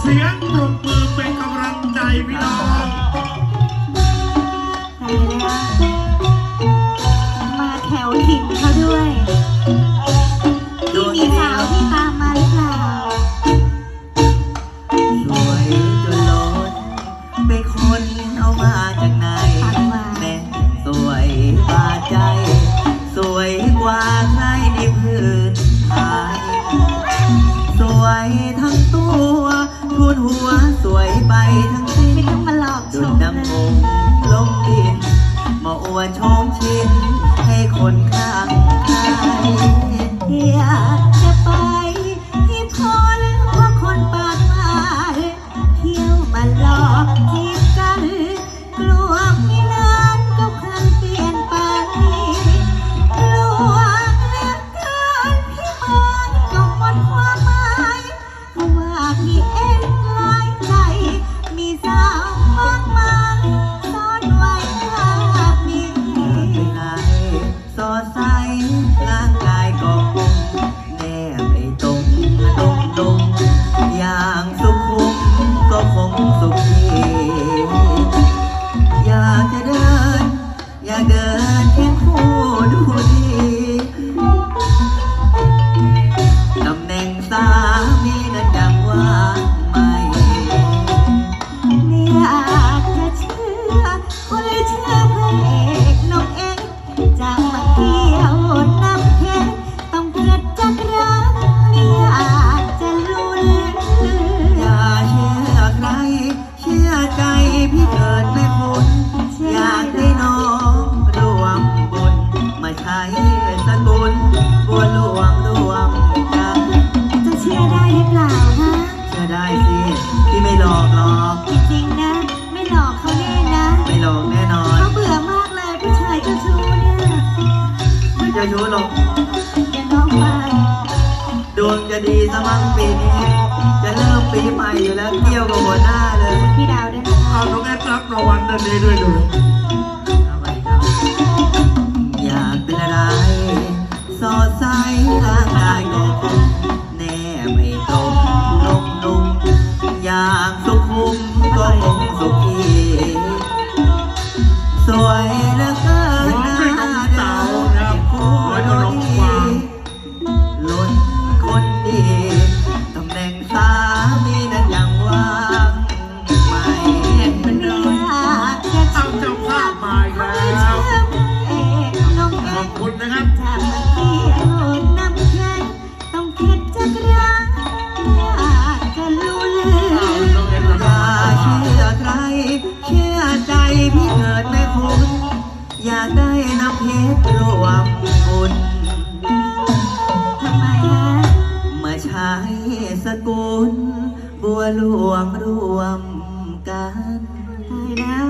สียงปรบมือเป็นกำลังใจพี่น้องมาแถวถิ่นเขาด้วยที่มีสาวที่ตามมาหรือเปล่าสวยจนล้นเป็นคนเอามาจากไหนแม่สวยบาดใจสวยกว่าใครในพื้นไทยสวยทั้งตัวทุนหัวสวยไปทั้งสิ้นไม่ต้องมาหลอกชดุจมน้ำองลงดินมาอวดชมชินให้คนข้างใครอยากจะไปที่พอแล้วว่าคนปากหวานเที่ยวมาหลอกจีบกันกลัวพี่นั้นก็คลันเปลี่ยนไปกลัวเหลือเกินพี่มันก็หมดความหมายเพราะว่าพี่เอ็นหลายใจมีสาวมากมายซ่อนไว้ภาพนี้สอดใสร่างกายก็คงแนบไอ้ตรงดงอย่างสุขุมก็คงสุขีอยากจะเดินอยากเดินเคียงคู่ดูดีตำแหน่งสามีนั้นยังว่างไม่ไม่อยากจะเชื่อคนเชื่อพระเอกนกเอกจะมาเที่ยวน้ำเพชรต้องเกิดจากรักไม่อยากจะลุ้นอย่าเชื่อใครเชื่อใจพี่เกิดไม่พ้นอยากได้น้องรวมบุญมาใช้สกุลบัวหลวงรวมกันจะเชื่อได้หรือเปล่าฮะเชื่อได้สิพี่ไม่หลอกหรอกจริงๆนะไม่หลอกเขาแน่นะไม่หลอกแน่นอนเขาเบื่อมากเลยผู้ชายเจ้าชู้เนี่ยไม่เจะชู้หรอกอย่าน้องไปดวงจะดีสมั่งปีนี้จะเริ่มปีใหม่อยู่แล้วเที่ยวกับหัวหน้าเลยพี่ดาวด้วยนะคะเอาน้องแอดรับรางวัลนั่นเองด้วยดูอยากเป็นอะไรสอดใสร่างกายก็คงแน่ไม่ตรงนุ่มอย่างสุขุมก็คงสุขีสวยเหลือเกินหน้าเดินคู่ดีล้นคนดีตำแหน่งสามีนั้นยังว่างไม่เป็นไม่เดิอน ยากจะเอาเชื่อเจ้าภาพมาอีกเขาแล้เชื่วอพระเอกนกขเออบกคุณนะครับจะมาเที่ยวน้ำเพชรต้องเข็ดจากรักอยากจะลุ้นเอาน้องแอดรับอย่าเชื่อใครเชื่อใจพี่เกิดไม่คุ้นอยากได้น้ำเพชรรวมบุญทำไมฮะมาใช้สกุลบัวหลวงรวมกันตายแล้ว